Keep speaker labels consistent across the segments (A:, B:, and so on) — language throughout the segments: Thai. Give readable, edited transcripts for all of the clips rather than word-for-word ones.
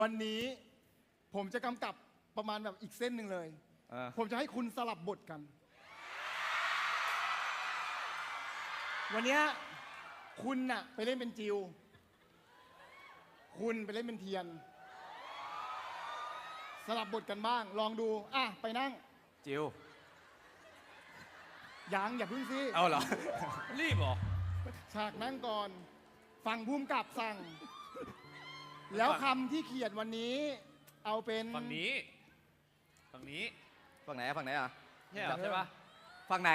A: วันนี้ผมจะกำกับประมาณแบบอีกเส้นหนึ่งเลย ผมจะให้คุณสลับบทกัน วันนี้คุณน่ะไปเล่นเป็นจิว คุณไปเล่นเป็นเทียน สลับบทกันบ้าง ลองดู อ่ะ ไปนั่ง
B: จิว
A: อย่าพึ่งสิ
B: เอาเหรอ
C: รีบเหรอ
A: ฉากนั่งก่อน ฟังภูมิกับสั่ง แล้วคำที่เขียนวันนี้ เอาเป็น
C: ฝั่งนี้ ฝั่งนี้
B: ฝั่งไหนอะฝั่งไหนอ่ะ
C: ใช่เหรอใช่ปะ
B: ฝั่งไหน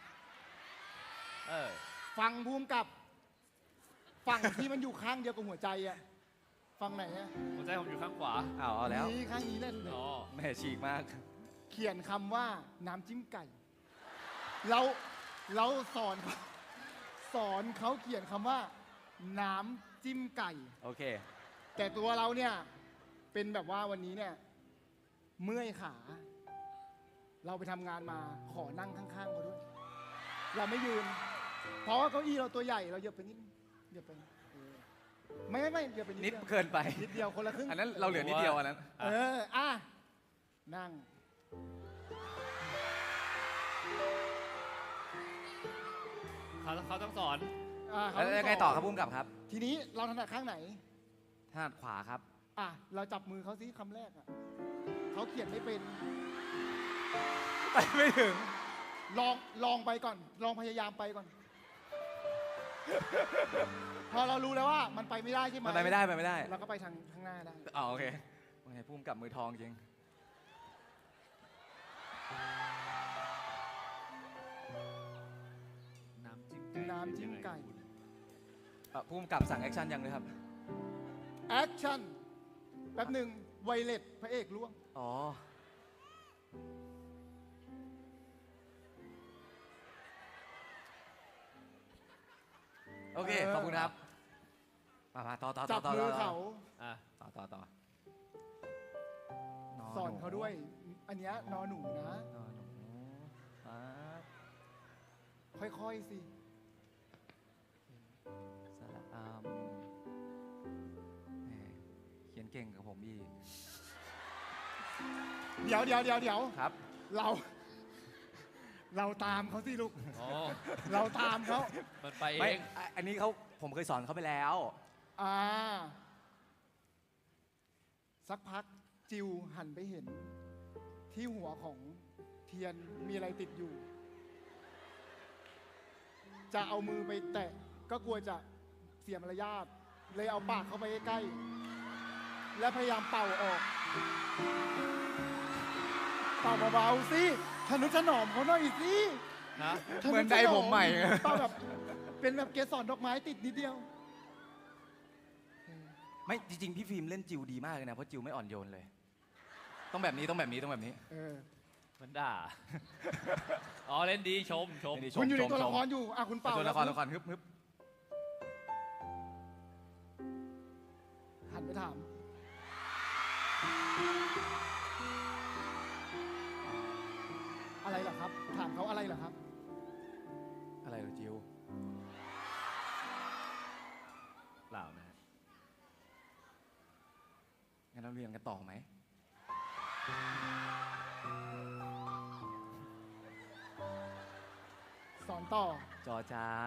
A: ฟังภูมิกับ ฝั่งที่มันอยู่ข้างเดียวกับหัวใจอะฝั่งไหนอะ
C: หัวใจผมอยู่ข้างขวา
B: เอาแล้ว
A: นี่ข้างนี้เล่นเลย
C: อ๋อ
B: แม่ฉีกมาก
A: เขียนคำว่าน้ำจิ้มไก่ เราสอนเขาเขียนคำว่า น้ำจิ้มไก่
B: โอเค
A: แต่ตัวเราเนี่ยเป็นแบบว่าวันนี้เนี่ยเมื่อยขา เราไปทำงานมาขอนั่งข้างๆเขาด้วย เราไม่ยืน เพราะว่าเก้าอี้เราตัวใหญ่เราเหยียบไปนิดเหยียบไปไม่เหยียบไปนิด
B: นิด
A: เดียว
B: เกินไป
A: นิดเดียวคนละครึ่ง
B: อันนั้นเราเหลือนิดเดียวอันนั้น
A: อ่ะนั่ง
C: เขาต้องสอน
B: แล้วยังไงต่อครับพุ่มกับครับ
A: ทีนี้เราถนัดข้างไหน
B: ถนัดขวาครับ
A: อ่ะเราจับมือเขาสิคำแรกอ่ะเขาเขียนไม่เป็น
B: ไปไม่ถึง
A: ลองไปก่อน ลองพยายามไปก่อน พอเรารู้แล้วว่ามันไปไม่ได้ใช่ไหม
B: มันไปไม่ได้ไปไม่ได้
A: เราก็ไปทางข้างหน้าได้
B: อ๋อโอเคว่าไงพุ่มกับมือทองจริง
C: น้ำจิ้มไก่
A: น้ำจิ้มไก่
B: พุ่มกับสั่งแอคชั่นยังเลยครับ
A: แอคชั่น แป๊บหนึ่งไวเลตพระเอกล่วง
B: อ๋อ โอเค ขอบคุณครับ มาต่อ
A: จับมือเขา
C: อ่ะ
B: ต่อ
A: สอนเขาด้วย อันเนี้ยนอหนูนะ
B: นอนหนูปั๊บ
A: ค่อยๆสิ
B: สระแหมเขียนเก่งกับผมอีก
A: เดี๋ยว
B: ครับ
A: เราตามเขาสิลูก
C: อ๋อ
A: เราตามเขา
C: มันไปเอ
B: ไม่
C: ง
B: อันนี้ผมเคยสอนเขาไปแล้ว
A: สักพักจิวหันไปเห็น ที่หัวของเทียนมีอะไรติดอยู่ จะเอามือไปแตะ ก็กลัวจะเสียมารยาทเลยเอาปากเข้าไปใกล้ๆและพยายามเป่าออก เป่าเบาๆสิทนุถนอมเขาหน่อยสิ
C: นะ
B: เหมือนใจผมใหม่
A: เป่าแบบเป็นแบบเกสรดอกไม้ติดนิดเดียว
B: ไม่จริงๆพี่ฟิล์มเล่นจิวดีมากเลยนะ เพราะจิวไม่อ่อนโยนเลย ต้องแบบนี้
C: มันด่า อ๋อ เล่นดีชม
B: เล่นดี
A: คุณอยู่ในตัวละครอยู่คุณเป่า
B: ตัวละครฮึบ
A: หันไปถาม อะไรเหรอครับ ถามเขาอะไรเหรอครับ
B: อะไรเหรอจิว
C: เปล่านะฮะ
B: งั้นเราเรียนกันต่อไหม
A: สอนต่อ
B: จอจาน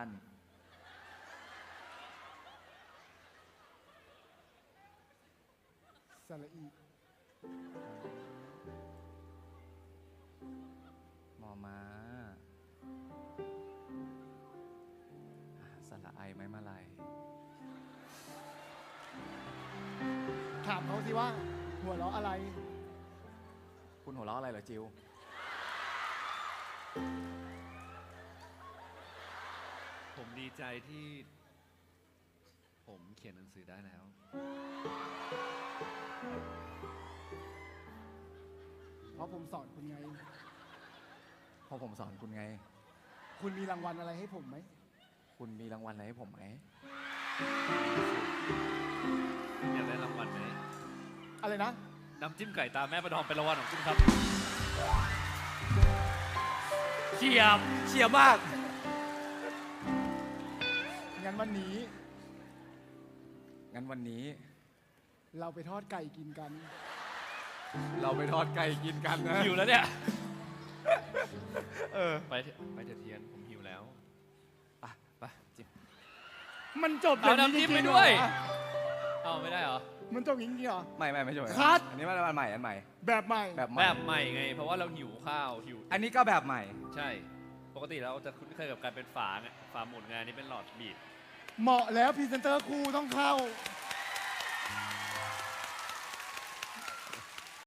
A: สระอี
B: มอมาสระไอไม้มาลาย
A: ถามเขาสิว่า หัวเราะอะไร
B: คุณหัวเราะอะไรเหรอจิว
C: ผมดีใจที่ ผมเขียนหนังสือได้แล้ว
A: เพราะผมสอนคุณไง
B: เพราะผมสอนคุณไง
A: คุณมีรางวัลอะไรให้ผมไหม
B: คุณมีรางวัลอะไรให้ผมไหม
C: อยากได้รางวัลไหม
A: อะไรนะ
C: น้ำจิ้มไก่ตาแม่ประดอมเป็นรางวัลของคุณครับเฉียบมาก
A: งั้นวันนี้
B: งั้นวันนี้
A: เราไปทอดไก่กินกัน
C: เราไปทอดไก่กินกันนะ
D: หิวแล้วเนี่ย
B: เออ
D: ไปเถอะเทียนผมหิวแล้ว
B: ไปจิม
A: มันจบอ
D: เอา
A: ย่างนี้
D: น้ำจิ้ม
A: จ
D: ไป
A: ริงๆ
D: ด้วย
A: เหรอ
D: เอาไม่ได้เหรอ
A: มันจบอย่างนี้เหรอ
B: ไม่ใช่
A: คัด
B: อันนี้มันใหม่อันใหม่
A: แบบใหม่
B: แบบใหม่
D: แบบใหม่ไง เพราะว่าเราหิวข้าวหิว
B: อันนี้ก็แบบใหม่
D: ใช่ ปกติเราจะคุ้นเคยกับการเป็นฝาไงฝาหมุนงานนี้เป็นหลอดบีบ
A: เหมาะแล้วพรีเซนเตอร์คู่ต้องเข้า